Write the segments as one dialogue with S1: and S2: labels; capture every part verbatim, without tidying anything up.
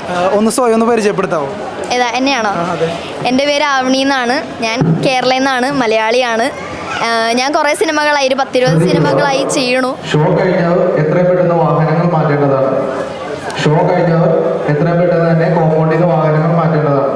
S1: ഒന്ന് സ്വയം ഒന്ന് പരിചയപ്പെടുത്താവോ?
S2: ഏതാ എന്നെയാണോ? എൻ്റെ പേര് ആവണി എന്നാണ്. ഞാൻ കേരളയിൽ നിന്നാണ്, മലയാളിയാണ്. ഞാൻ കുറേ സിനിമകളായി, ഒരു പത്തിരുപത് സിനിമകളായി ചെയ്യണു.
S3: ഷോ കഴിഞ്ഞാൽ എത്രയും പെട്ടെന്ന് വാഹനങ്ങൾ മാറ്റേണ്ടതാണ്. ഷോ കഴിഞ്ഞാൽ എത്രയും പെട്ടെന്ന് തന്നെ കോമ്പൗണ്ടിൽ നിന്ന് വാഹനങ്ങൾ മാറ്റേണ്ടതാണ്.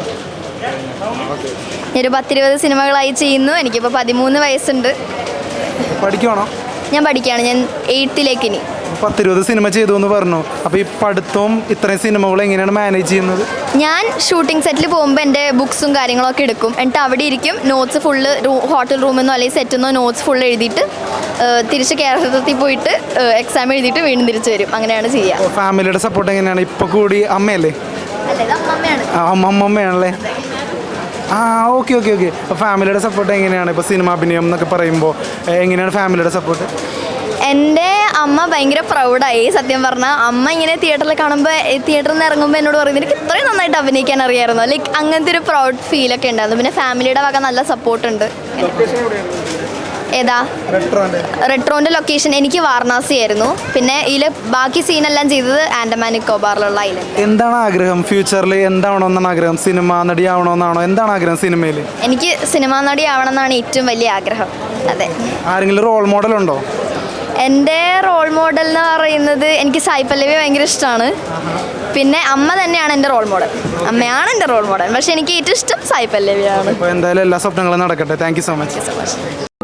S2: ഒരു പത്തിരുപത് സിനിമകളായി ചെയ്യുന്നു. എനിക്കിപ്പോൾ പതിമൂന്ന് വയസ്സുണ്ട്.
S1: പഠിക്കുവാണോ?
S2: ഞാൻ പഠിക്കുകയാണ്. ഞാൻ എയ്ത്തിലേക്ക് ഇനി.
S1: പത്തിരുപത് സിനിമ ചെയ്തു എന്ന് പറഞ്ഞു. അപ്പോൾ ഈ പഠിത്തവും ഇത്രയും സിനിമകൾ എങ്ങനെയാണ് മാനേജ് ചെയ്യുന്നത്?
S2: ഞാൻ ഷൂട്ടിംഗ് സെറ്റിൽ പോകുമ്പോൾ എൻ്റെ ബുക്സും കാര്യങ്ങളൊക്കെ എടുക്കും. എന്നിട്ട് അവിടെ ഇരിക്കും. നോട്ട്സ് ഫുള്ള് ഹോട്ടൽ റൂമിൽ നിന്നോ അല്ലെങ്കിൽ സെറ്റിൽ നിന്നോ നോട്ട്സ് ഫുള്ള് എഴുതിയിട്ട് തിരിച്ച് കേരളത്തിൽ പോയിട്ട് എക്സാം എഴുതിയിട്ട് വീണ്ടും തിരിച്ചു വരും. അങ്ങനെയാണ് ചെയ്യുക.
S1: ഫാമിലിയുടെ സപ്പോർട്ട് എങ്ങനെയാണ്? ഇപ്പോൾ കൂടി അമ്മയല്ലേ? അമ്മമ്മയാണല്ലേ? ആ ഓക്കെ ഓക്കെ ഓക്കെ ഫാമിലിയുടെ സപ്പോർട്ട് എങ്ങനെയാണ്? ഇപ്പോൾ സിനിമ അഭിനയം എന്നൊക്കെ പറയുമ്പോൾ എങ്ങനെയാണ് ഫാമിലിയുടെ സപ്പോർട്ട്?
S2: എൻ്റെ അമ്മ ഭയങ്കര പ്രൗഡായി. സത്യം പറഞ്ഞാൽ അമ്മ ഇങ്ങനെ തിയേറ്ററിൽ കാണുമ്പോൾ, തിയേറ്ററിൽ നിന്ന് ഇറങ്ങുമ്പോൾ എന്നോട് പറയുന്നത് എനിക്ക് ഇത്രയും നന്നായിട്ട് അഭിനയിക്കാൻ അറിയാമായിരുന്നു. ലൈക്ക് അങ്ങനത്തെ ഒരു പ്രൗഡ് ഫീലൊക്കെ ഉണ്ടായിരുന്നു. പിന്നെ ഫാമിലിയുടെ വക നല്ല സപ്പോർട്ടുണ്ട്. ഏതാ? റെട്രോൻ്റെ ലൊക്കേഷൻ എനിക്ക് വാരണാസി ആയിരുന്നു. പിന്നെ ഇതിൽ ബാക്കി സീനെല്ലാം ചെയ്തത് ആൻഡമാൻ നിക്കോബാറിലുള്ള ഐലൻഡ്.
S1: എന്താണ് ആഗ്രഹം ഫ്യൂച്ചറിൽ? എന്താവണമെന്നാണ് ആഗ്രഹം? സിനിമ നടി ആവണമെന്നാണോ? എന്താണ് ആഗ്രഹം സിനിമയിൽ?
S2: എനിക്ക് സിനിമാ നടി ആവണമെന്നാണ് ഏറ്റവും വലിയ ആഗ്രഹം. അതെ.
S1: ആരെങ്കിലും റോൾ മോഡൽ ഉണ്ടോ?
S2: എൻ്റെ റോൾ മോഡൽ എന്ന് പറയുന്നത് എനിക്ക് സായി പല്ലവി ഭയങ്കര ഇഷ്ടമാണ്. പിന്നെ അമ്മ തന്നെയാണ് എൻ്റെ റോൾ മോഡൽ. അമ്മയാണ് എൻ്റെ റോൾ മോഡൽ. പക്ഷേ എനിക്ക് ഏറ്റവും ഇഷ്ടം സായി പല്ലവിയാണ്.
S1: അപ്പോൾ എന്തായാലും എല്ലാ സ്വപ്നങ്ങളും നടക്കട്ടെ. Thank you so much.